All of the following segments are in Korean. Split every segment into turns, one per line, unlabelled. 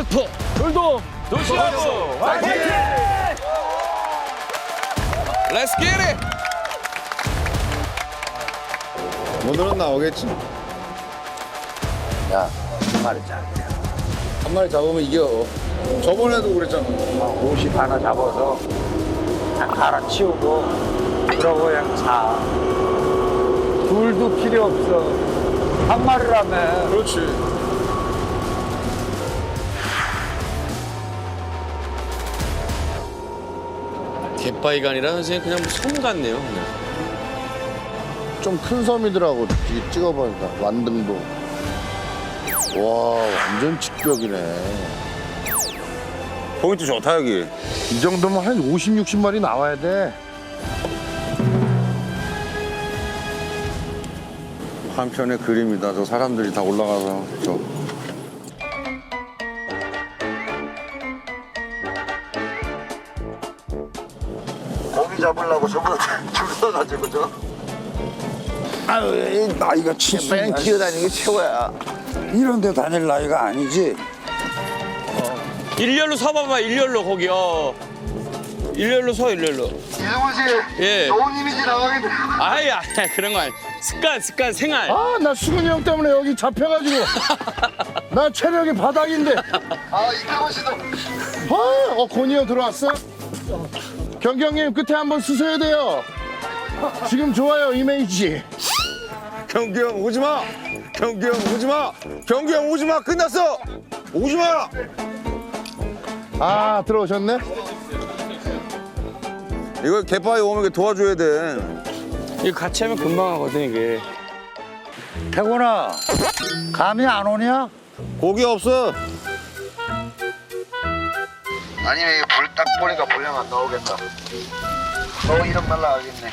슈퍼 돌돔 도시하고 화이팅! Let's get it!
오늘은 나오겠지.
야, 한 마리 짜.
한 마리 잡으면 이겨. 저번에도 그랬잖아.
50 하나 잡아서 그냥 갈아치우고 그러고 그냥 자. 둘도 필요 없어. 한 마리라면.
그렇지.
갯바위가 아니라 선생님 그냥 섬 같네요. 그냥.
좀 큰 섬이더라고. 뒤에 찍어보니까 완등도. 와 완전 직벽이네.
포인트 좋다 여기.
이 정도면 한 50, 60마리 나와야 돼.
한편의 그림이다. 저 사람들이 다 올라가서 저.
고기 잡으려고 저보다 줄 서가지고 저.
아유 이 나이가 70.
기어다니는 게 최고야. 이런 데 다닐 나이가 아니지.
일렬로 서봐봐 일렬로 거기 일렬로 서 일렬로.
이승훈 씨,
예.
좋은 이미지 나가겠네.
아야 그런 거 아니. 습관 생활.
아 나 수근이 형 때문에 여기 잡혀가지고 나 체력이 바닥인데.
아, 이태원 씨도.
권이 형 들어왔어? 경기 형님 끝에 한번 쓰셔야 돼요. 지금 좋아요 이미지.
경기 형 오지 마. 경기 형 오지 마. 경기 형 오지 마. 끝났어. 오지 마.
아 들어오셨네.
이거 갯바위 오면 이렇게 도와줘야 돼.
이거 같이 하면 금방 하거든 이게.
태곤아, 감이 안 오냐?
고기 없어.
아니면 이거 불 딱 보니까 분량 안 나오겠다. 이런 말 나가겠네.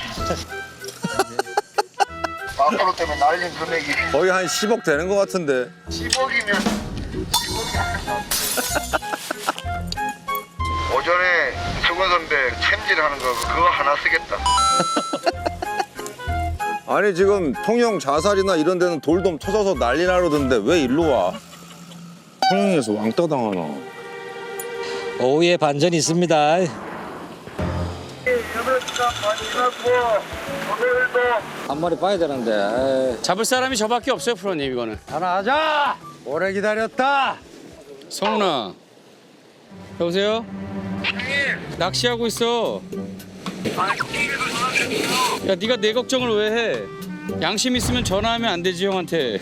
마카로 때문에 날린 금액이
거의 한 10억 되는 것 같은데.
10억이면 10억이 안 나. 오전에 수건 선배 챔질하는 거 그거 하나 쓰겠다.
아니 지금 통영 자살이나 이런 데는 돌돔 터져서 난리 나르던데 왜 일로 와? 통영에서 왕따 당하나?
오후에 반전이 있습니다.
8시간 반 지났고 오늘도
한 마리 봐야 되는데.
잡을 사람이 저밖에 없어요 프로님 이거는.
하나 하자. 오래 기다렸다.
성훈아 여보세요? 낚시하고 있어. 야 네가 내 걱정을 왜 해? 양심 있으면 전화하면 안 되지 형한테.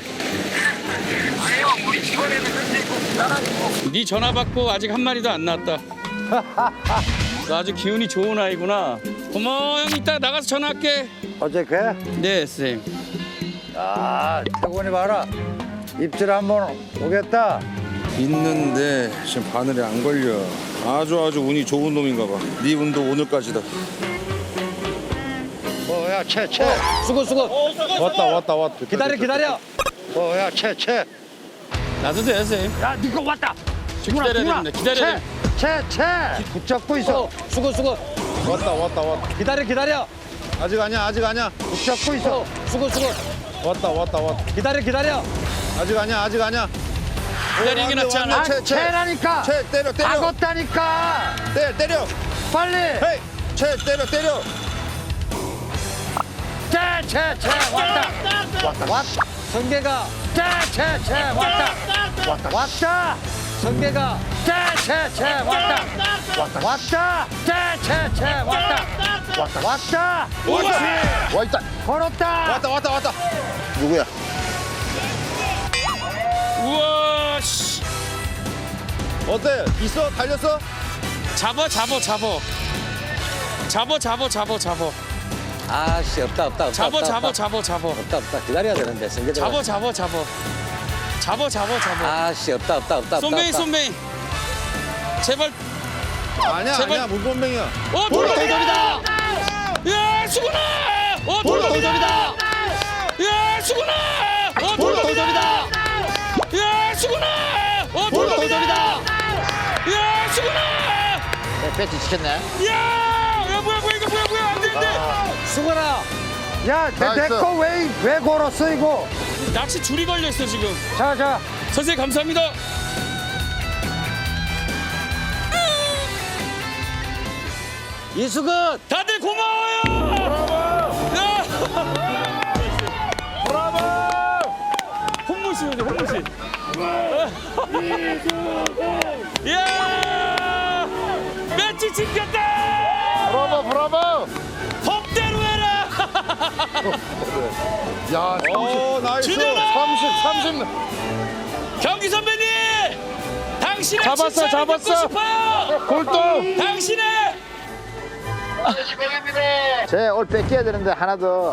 네 전화 받고 아직 한 마리도 안 나왔다. 너 아주 기운이 좋은 아이구나. 고마워 형 이따 나가서 전화할게.
어제 그?
네 선생님.
아, 태곤이 봐라. 입질 한번 오겠다.
있는데 지금 바늘에 안 걸려. 아주 운이 좋은 놈인가 봐. 네 운도 오늘까지다.
야, 채.
수고.
왔다.
기다려.
야, 채.
나도 돼 선생님.
야, 니거 왔다.
지금 기다려야 됩니다. 기다려야 돼.
채. 붙잡고 있어.
수고.
왔다.
기다려.
아직 아니야.
붙잡고 있어.
수고.
왔다.
기다려.
아직 아니야.
기다리는 게 낫지 않아?
채라니까.
채 때려.
박었다니까.
때려.
빨리.
헤이. 채 때려.
채. 왔다.
성계가.
채. 왔다.
성계가.
채. 왔다.
와있다.
걸었다.
왔다.
누구야?
우와 씨.
어때? 있어? 달렸어?
잡아.
아씨 없다.
잡아.
기다려야 되는데 성계가.
잡아.
아씨 없다.
쏨뱅이. 제발.
아니야.
제발.
물범뱅이야.
돌돔이다. 야 수근아. 돌돔이다. 야 수근아. 돌돔이다. 야 수근아. 돌돔이다. 야 수근아.
배치 시켰네.
야 뭐야 이거 안 되는데.
수근아.
야, 내거 왜 걸었어 이거?
낚시 줄이 걸려 있어 지금.
자.
선생님 감사합니다.
이수근.
다들 고마워요. 야!
브라보!
홍무씨 오지 홍무씨. 야! 매치 지켰다.
브라보!
법대로 해라.
야, 30,
오 나이스.
30.
경기 선배님, 당신의
잡았어,
칭찬을
잡았어.
듣고 싶어요.
골동!
당신의
시간입니다.
쟤올 뺏겨야 되는데 하나 더.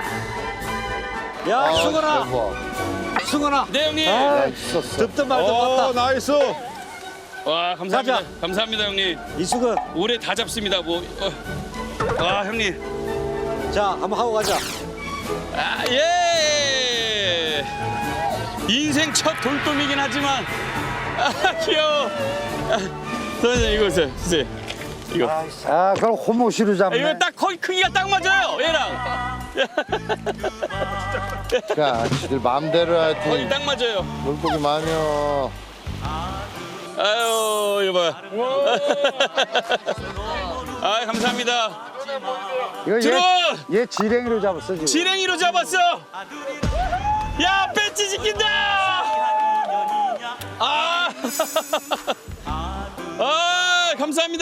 야, 수근아. 수근아.
네 형님.
듣든 말든
오
맞다.
나이스.
와 감사합니다.
가자.
감사합니다 형님.
이수근.
올해 다 잡습니다 뭐. 와 형님.
자, 한번 하고 가자.
아 예. 인생 첫 돌돔이긴 하지만 귀여워. 선생님 이거 보세요. 이거.
아, 그럼 호모시로 잡네.
이거 딱 거의 크기가 딱 맞아요 얘랑.
야, 지들 마음대로
거의
하여튼
딱 맞아요.
물고기 많여.
아유 이거 봐요. 아 감사합니다.
이거
들어.
얘 지렁이로 잡았어, 지금.
지렁이로 잡았어. 야 배치 지킨다. 아. 아 감사합니다.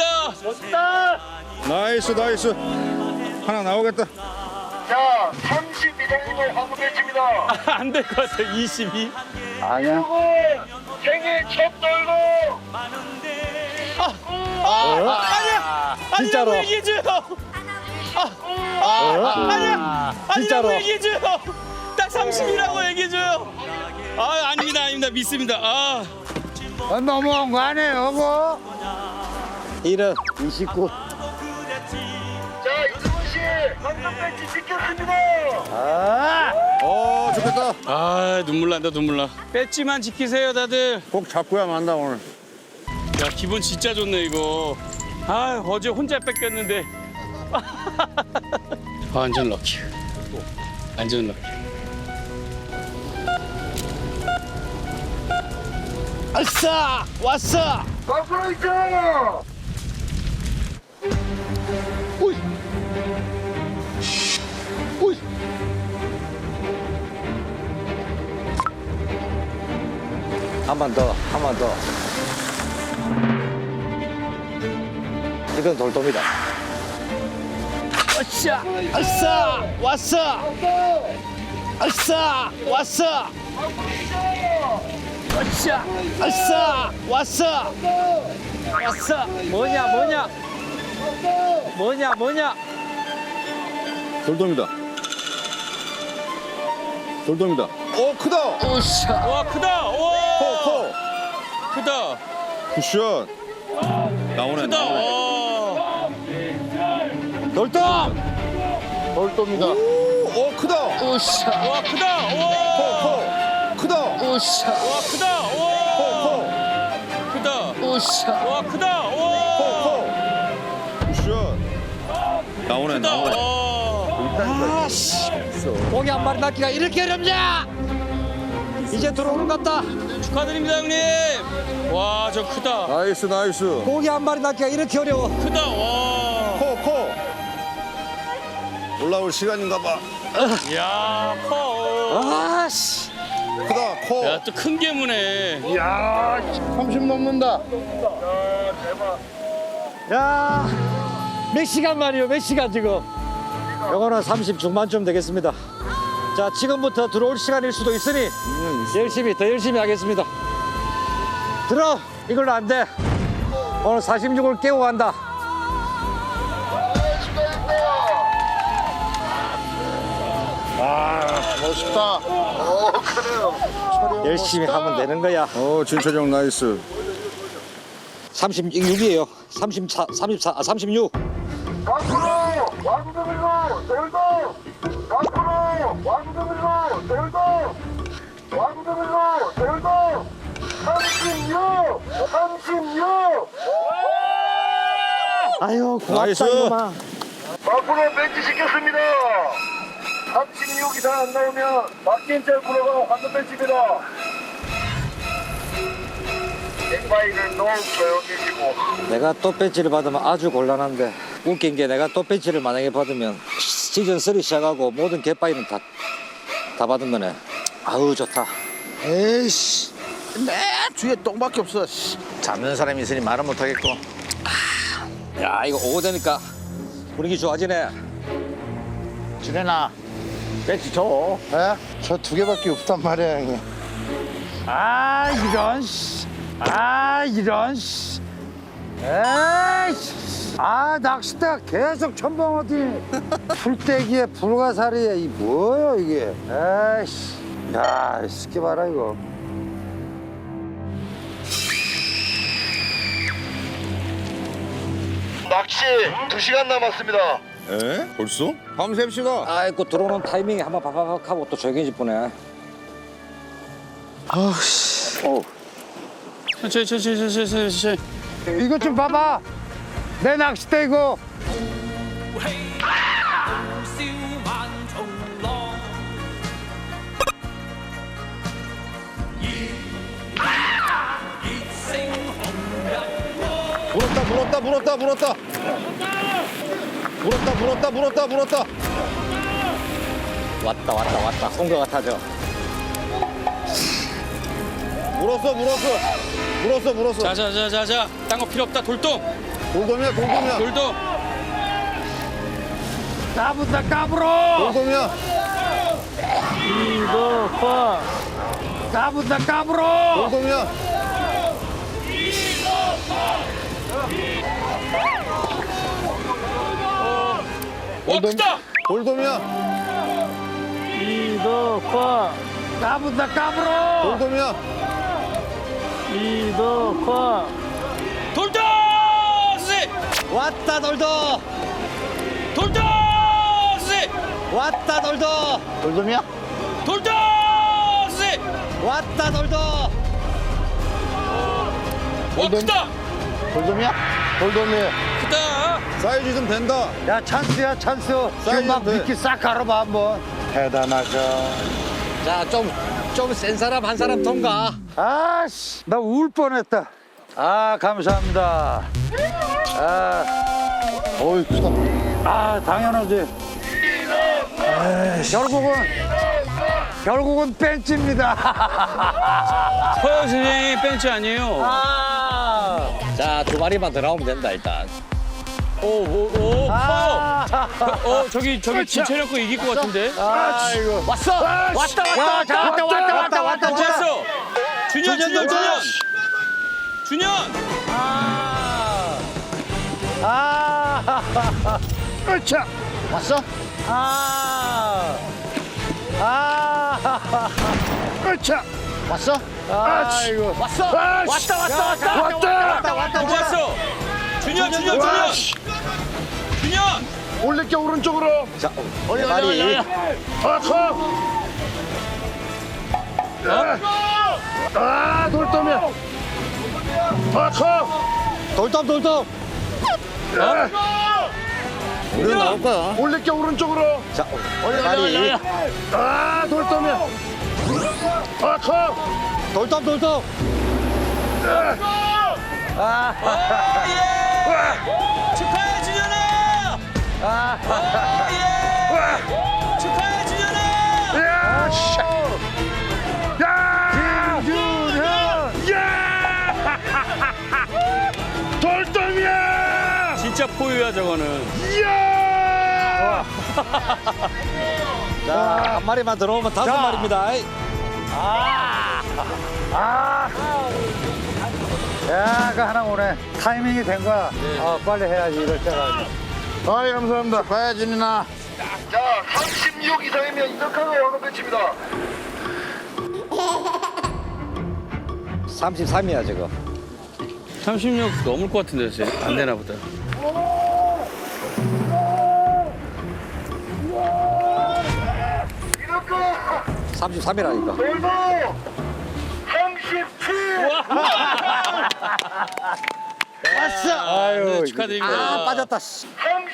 나이스. 하나 나오겠다.
자, 32장님을 황금 배치입니다.
안 될 것 같아. 22.
아니야.
그리고 생일 첫 돌고.
아니야.
진짜로.
아니라고 얘기해줘요. 아니야.
진짜로.
아니라고 얘기해줘요. 딱 30이라고 얘기해줘요. 아 아닙니다. 믿습니다. 아.
너무한 거 아니에요, 그거? 1은 29.
자, 이승훈 씨, 황금 배치 지켰습니다.
오 좋겠다.
아 눈물 난다. 배지만 지키세요 다들.
꼭 잡고야 만다 오늘.
야 기분 진짜 좋네 이거. 아 어제 혼자 뺏겼는데. 완전 럭키. 완전 럭키.
아싸! 왔어!
앞으로 있죠.
한 번 더. 이건 돌돔이다. 아싸! 왔어! 아싸! 왔어! 왔어! 뭐냐?
돌돔이다. 오 크다.
와 크다. 와
커.
크다.
굿샷. 나오네.
크다. 와.
돌돔이다.
오 크다.
와 크다. 와.
커. 크다.
와 크다. 와. 크다. 와 크다. 와.
굿샷. 나오네.
크다. 와.
고기 한 마리 낳기가 이렇게 어렵냐? 이제 들어오는 것 같다.
축하드립니다 형님. 와 저 크다.
나이스.
고기 한 마리 낳기가 이렇게 어려워.
크다. 와.
커. 올라올 시간인가 봐.
야 커.
아씨.
크다. 커.
야 또 큰 개무네.
이야, 30 넘는다.
야, 몇 시간 만이요? 몇 시간 지금? 요거는 30 중반쯤 되겠습니다. 자, 지금부터 들어올 시간일 수도 있으니 더 열심히 하겠습니다. 들어, 이걸로 안 돼. 오늘 46을 깨고 간다.
멋있다.
열심히 하면 되는 거야.
오 진철이 형 나이스.
36이에요. 36.
앞으로 왕금이고 돌고. 앞으로 왕금이고 돌고. 36.
아유,
나이스.
고맙다, 이놈아.
앞으로 배치 시켰습니다. 36 이상 안 나오면 박진철 프로가 황금 배치입니다. 엑바이를 너무 조용해지고.
내가 또 배지를 받으면 아주 곤란한데. 웃긴 게 내가 또 벤치를 만약에 받으면 시즌 3 시작하고 모든 갯바위는 다 받은 거네. 아우 좋다.
에이씨, 내 뒤에 똥밖에 없어. 씨.
잡는 사람이 있으니 말은 못하겠고. 야 이거 오고 되니까 분위기 좋아지네.
지내나 벤치 줘. 에? 저 2개밖에 없단 말이야 형님.
아 이런 씨. 아 이런 씨. 에이씨. 아 낚싯대가 계속 첨벙 어디 풀떼기에 불가사리에 이 뭐예요 이게. 에이씨. 야 스키 봐라 이거.
낚시 2시간 남았습니다.
에? 벌써? 밤샘시다.
아이고 들어오는 타이밍에 한번 바바박 하고 또 조용해질 뻔해.
아우씨.
천천히.
이것 좀 봐봐. 내 낚싯대 이거.
물었다.
왔다. 온 것 같아져.
물었어.
자자자자자. 딴 거 필요 없다. 돌돔.
돌돔이야.
돌돔.
까분다 까불어.
돌돔이야.
까분다 까불어.
돌돔이야.
와 크다.
돌돔이야.
까분다 까불어.
돌돔이야.
돌돔. 씨.
왔다 돌도.
돌돔. 씨.
왔다 돌도.
돌돔이야?
돌돔. 씨.
왔다 돌도.
와 크다.
돌돔이야? 돌돔이에요.
크다.
사이즈 좀 된다.
야 찬스야 찬스. 지금 막
돼.
미끼 싹 갈아봐 한번.
대단하죠.
자 좀 센 사람 한 사람 통과. 아씨 나 울 뻔했다. 아 감사합니다.
어이 크다.
아 당연하지. 결국은 벤치입니다.
허영 선생님 벤치 아니에요.
자 2마리만 더 나오면 된다 일단.
오. 저기 진철형 거 이길 것 같은데.
아이고. 왔다.
왔어. 준현.
으차. 왔어? 으차. 왔어?
아이고.
왔다.
왔어. 준현.
올릴게 오른쪽으로.
자,
마리. 아, 돌돔이야.
돌돔.
우리는 나올 거야.
올릴게 오른쪽으로.
자, 마리.
아, 돌돔이야.
돌돔.
축하해 준현아. 축하해 준현아.
야, 씨. 야! 김준현! 야! 돌돔이야!
진짜 포유야 저거는.
이야!
자, 한 마리만 들어오면 5마리입니다. 야, 그 하나 오네. 타이밍이 된 거야. 빨리 해야지 이럴 때가.
아이, 감사합니다. 봐야지, 누나.
자, 36 이상이면 이덕화가 왕은 벤치입니다.
33이야 지금.
36 넘을 것 같은데 안 되나 보다.
이덕화
33이라니까.
돌도 37.
왔어.
네, 축하드립니다.
빠졌다.
37.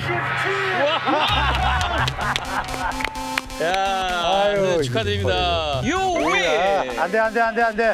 야, 네, 축하드립니다. 요위.
안 돼.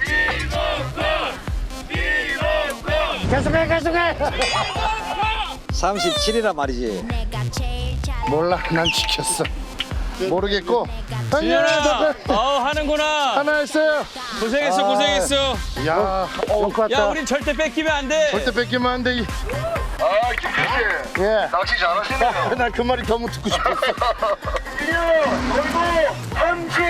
계속해. 37이란 말이지.
몰라, 난 지켰어. 모르겠고.
준현아, 하는구나.
하나 했어요.
고생했어, 고생했어.
야,
야, 우린 절대 뺏기면 안 돼.
절대 뺏기면 안 돼.
아, 김필 씨.
예.
낚시 잘하시네요.
나 그 말이 너무 듣고 싶었어.
그리고 30.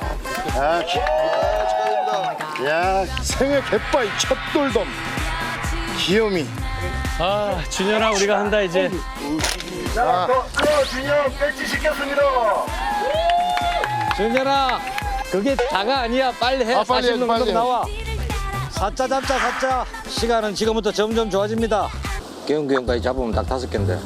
야, 생애 갯바위 첫 돌돔. 귀요미.
아, 준현아, 우리가 한다, 이제.
자, 준영 배치 시켰습니다.
준현아, 그게 다가 아니야. 빨리 해.
아, 빨리 해,
40
빨리
넘는
해.
나와. 사자 잡자, 사자. 시간은 지금부터 점점 좋아집니다. 개운개운까지 잡으면 닭 5개인데.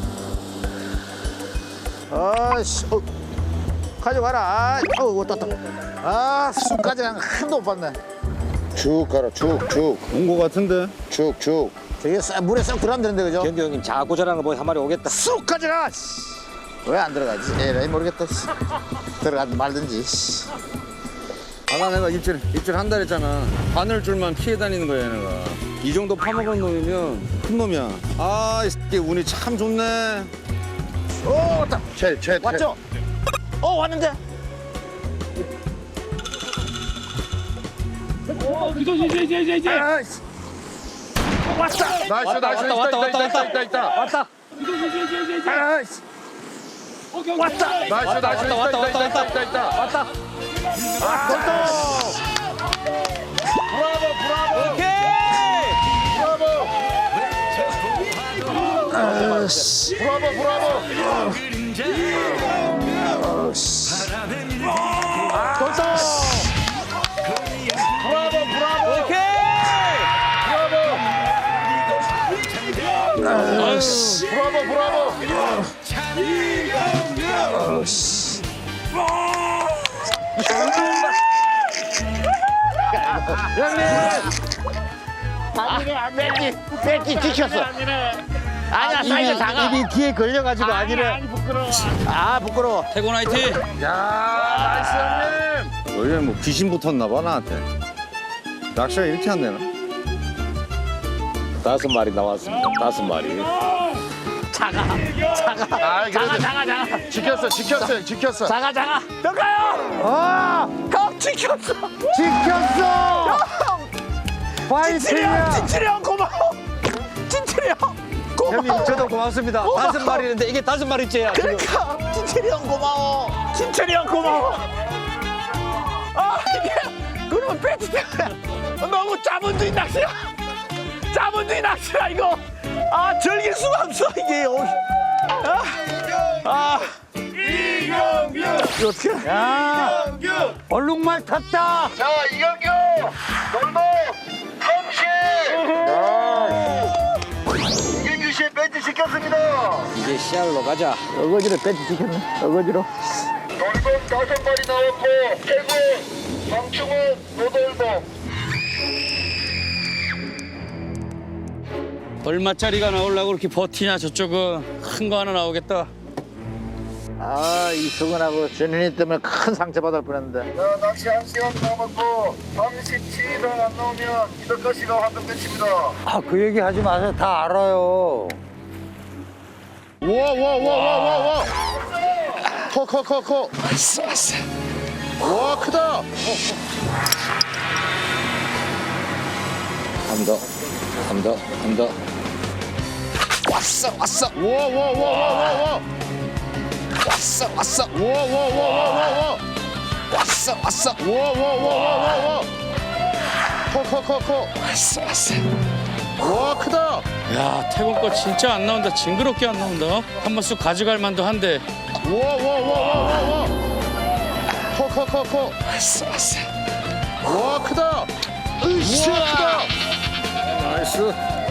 아씨, 가져가라. 떴다. 아, 술까지 한도 못 봤네.
쭉 가라 쭉쭉 온 거 같은데 쭉쭉
저게 물에 쏙 들어가면 되는데, 그죠?
경규 형님 자꾸 저라는 거 보니 한 마리 오겠다.
쑥 가져가. 왜 안 들어가지? 에라이 모르겠다. 들어가든 말든지.
아까 내가 입질 한 달 했잖아 바늘줄만 피해 다니는 거야 얘네가 이 정도 파먹은 놈이면 큰 놈이야 아 이 새끼 운이 참 좋네
오, 왔다. 왔죠? 왔는데.
나이스. 있다.
왔다. 왔다.
뺏기 지켰어. 아니야, 사이즈 작아.
입이 뒤에 걸려가지고 아니래.
아, 부끄러워.
태곤 화이팅!
원래 뭐 귀신 붙었나 봐 나한테 낚시가 이렇게 안 되나
5마리 나왔습니다. 5마리.
작아.
지켰어.
작아. 더 가요. 형 지켰어.
파이팅이야.
진철이 형 고마워. 진철이 형 고마워.
형님 저도 고맙습니다. 5마리인데 이게 5마리째야 지금.
그러니까 진철이 형 고마워. 진철이 형 고마워. 아, 이게 그러면 배치 때문에 너무 자본주의 낚시야. 자본주의 낚시야 이거. 아, 즐길 수가 없어 이게.
이경규.
이거 어떻게?
야, 얼룩말 탔다.
자, 이경규. 돌돔 30. 이경규 씨 배치 시켰습니다.
이제 씨알로 가자.
어거지로 배치 지켰네. 어거지로.
돌돔 5마리 나왔고 태군, 방충은 노돌돔.
얼마짜리가 나오려고 그렇게 버티냐, 저쪽은. 큰 거 하나 나오겠다.
아, 이 수근하고 준현이 때문에 큰 상처 받을 뻔했는데.
자, 낚시 1시간 남았고 37단 안 나오면 이덕화 씨가 화금 배치입니다.
아, 그 얘기 하지 마세요. 다 알아요.
와. 커. 와, 크다.
한 더.
왔어.
와.
왔어.
와.
왔어.
커. 와, 크다.
야, 태곤 거 진짜 안 나온다. 징그럽게 안 나온다. 한번 쑥 가져갈 만도 한데.
와. 커.
왔어.
와, 크다. 으쌰, 크다.
나이스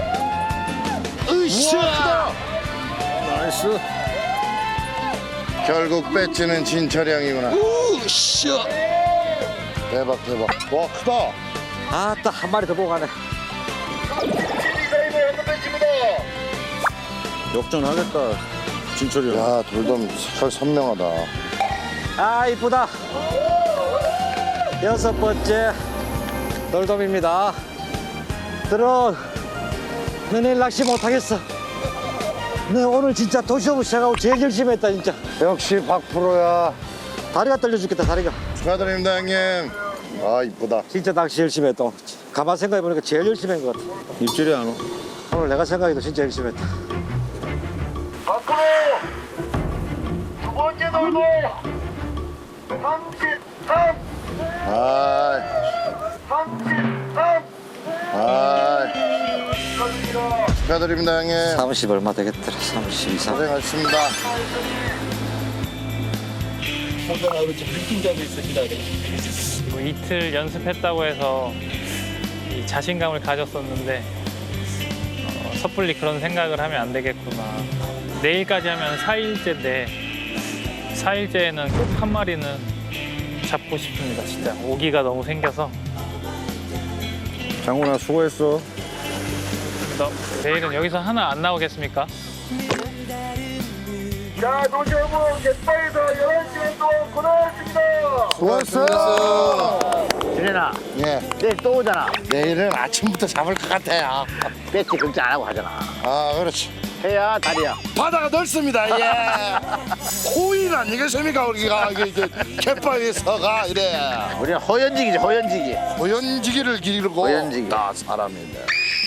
으쌰, 크다.
나이스
결국 배지는 진철형이구나.
으쌰.
대박. 와, 크다.
아, 또 한 마리 더 보고 가네.
진이사이버 화금 배치입니다.
역전하겠다 진철이 형
야, 돌돔 색깔 선명하다.
아, 이쁘다. 6번째 돌돔입니다. 들어. 너네 낚시 못하겠어. 네, 오늘 진짜 도시오브 시작하고 제일 열심히 했다, 진짜.
역시 박프로야.
다리가 떨려 죽겠다, 다리가.
축하드립니다, 형님. 아, 이쁘다.
진짜 낚시 열심히 했다. 가만 생각해보니까 제일 열심히 한 것 같아.
입질이 안 와.
오늘 내가 생각해도 진짜 열심히 했다.
앞으로 두 번째 돌고 33
아,
33
축하드립니다, 형님.
30 얼마 되겠더라, 30 이상.
고생하셨습니다.
뭐 이틀 연습했다고 해서 이 자신감을 가졌었는데 섣불리 그런 생각을 하면 안 되겠구나. 내일까지 하면 4일째인데 4일째에는 꼭 한 마리는 잡고 싶습니다. 진짜 오기가 너무 생겨서.
장훈아 수고했어.
내일은 여기서 하나 안 나오겠습니까?
자, 도시어부 갯바에서 11시간 동안 고생하셨습니다.
수고했어요.
준현아,
예.
내일 또 오잖아.
내일은 아침부터 잡을 것 같아요.
배치 걱정 안 하고 하잖아.
아, 그렇지.
해야 다리야.
바다가 넓습니다. 예. 호인 아니겠습니까? 우리가 이게 갯바위에서가 이래.
우리는 허연지기지, 허연지기.
호연지기를 기르고
호연지기.
다 사람인데.